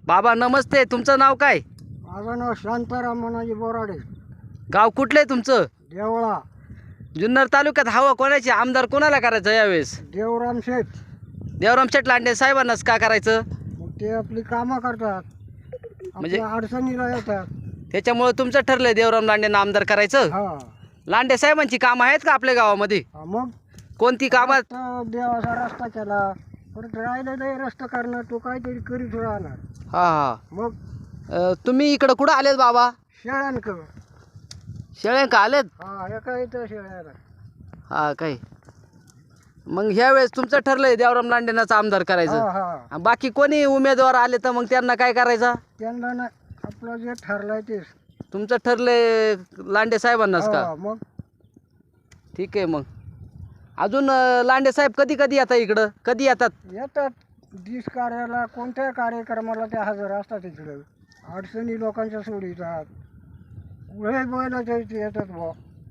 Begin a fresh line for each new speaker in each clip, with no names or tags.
बाबा नमस्ते, तुमचं नाव काय?
माझं नाव शांताराम मनाजी बोराडे,
गाव कुठलं आहे तुमचं?
देवळा.
जुन्नर तालुक्यात हवा कोणाची, आमदार कोणाला करायचं यावेळेस?
देवराम शेठ.
देवराम शेठ लांडे साहेबांनाच का करायचं?
मग ते आपली कामं करतात,
म्हणजे
आपल्या अडचणीला येतात.
त्याच्यामुळे तुमचं ठरलंय देवराम लांडेंना आमदार करायचं?
हा
लांडे साहेबांची कामं आहेत का आपल्या गावामध्ये?
हा, मग
कोणती कामं?
आता देवाचा रस्ता केला, परत राहिलेला रस्ता करणार, तो काहीतरी करीत राहणार.
हा हा.
मग
तुम्ही इकडं कुठं आलेत बाबा?
शेळ्यांक.
शेळे का आलेत?
हा, एका इथं शेळ्याला.
हा काय, मग ह्या वेळेस तुमचं ठरलंय देवराम लांडेंनाच आमदार
हा
करायचं?
हा,
आणि बाकी कोणी उमेदवार आले तर मग त्यांना काय करायचं?
त्यांना ना आपलं जे ठरलंय तेच.
तुमचं ठरलंय लांडे साहेबांनाच का?
हा, मग
ठीक आहे. मग अजून लांडे साहेब कधी कधी येतात इकडं? कधी येतात?
येतात दिस कार्याला, कोणत्याही कार्यक्रमाला ते हजर असतात. इकडं अडचणी लोकांच्या सोडीतात, पुढे बैलाच्या इथे येतात बुवा.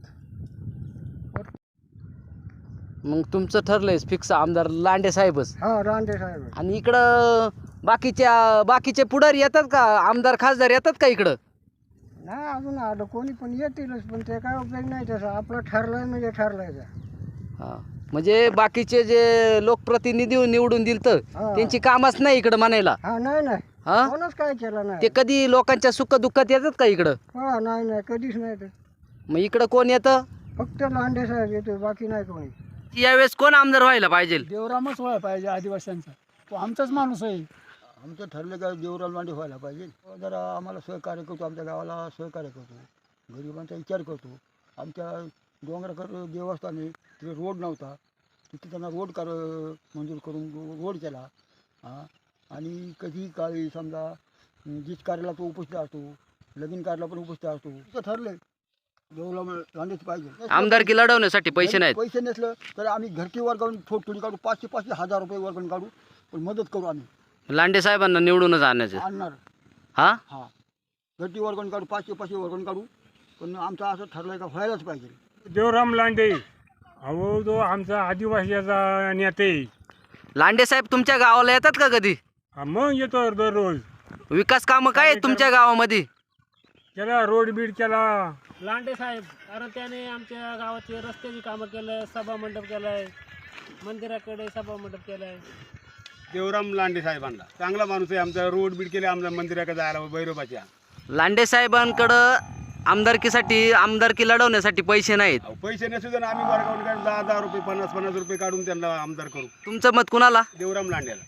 मग तुमचं ठरलंय फिक्स आमदार लांडे साहेबच?
हा, रांदे साहेब.
आणि इकडं बाकीचे पुढारी येतात का? आमदार खासदार येतात का इकडं?
नाही अजून आलं, कोणी पण येतीलच, पण ते काय उपयोग नाही त्याचा. आपलं ठरलंय म्हणजे ठरलंय ते.
हा, म्हणजे बाकीचे जे लोकप्रतिनिधी निवडून दिलतं
हा.
त्यांची कामच नाही इकडं म्हणायला?
हा, नाही नाही,
हा,
कोणच काय केलं नाही.
ते कधी लोकांच्या सुख दुःखात येतात का इकडं?
हा, नाही नाही, कधीच नाही. ते
मग इकडं कोण येतं?
फक्त लांडे साहेब येतो, बाकी नाही कोणी.
यावेळेस कोण आमदार व्हायला पाहिजे?
देवरामच व्हायला पाहिजे, आदिवासींचा तो आमचाच माणूस आहे.
आमचं ठरलं का देवराम लांडे व्हायला पाहिजे. जरा आम्हाला सहकार्य करतो, आमच्या गावाला सहकार्य करतो, गरिबांचा विचार करतो. आमच्या डोंगराकर देवस्थान आहे, तिथे रोड नव्हता, तिथे त्यांना रोड मंजूर करून रोड केला. हां, आणि कधी काळी समजा जीत कार्याला तो उपस्थित असतो, लगीन कार्याला पण उपस्थित असतो. तिथं ठरलं देवराम लांडेच पाहिजे.
आमदारकी लढवण्यासाठी पैसे नाहीत?
पैसे नसलं तर आम्ही घरची वर्गावून थोडी काढू, 500-500 हजार वर्गावून काढू, पण मदत करू आम्ही.
लांडे साहेबांना निवडूनच आणायचं?
आणणार.
हा,
हां, घरटी वर्गण काढू, 500-500 वर्गण काढू, पण आमचं असं ठरलं का व्हायलाच पाहिजे.
देवराम लांडे अहो, तो आमचा आदिवासीचा नेते.
लांडे साहेब तुमच्या गावाला येतात का कधी?
हा, मग येतो दररोज.
विकास कामं काय आहेत तुमच्या गावामध्ये?
केला रोड बीड केला.
लांडे साहेब, कारण त्याने आमच्या गावाचे रस्त्याची कामं केलं, सभा मंडप केलाय, मंदिराकडे सभा मंडप केलाय.
देवराम लांडे साहेबांना चांगला माणूस आहे. आमचा रोड बीड केले, आमच्या मंदिराकडे जायला भैरोबाच्या.
लांडे साहेबांकडं आमदारकी लढवण्यासाठी पैसे नाहीत.
अहो, पैसे नसू आम्ही वर्गावून 10-10 रुपये 50-50 रुपये काढून त्यांना आमदार करू.
तुमचं मत कुणाला?
देवराम लांडेला.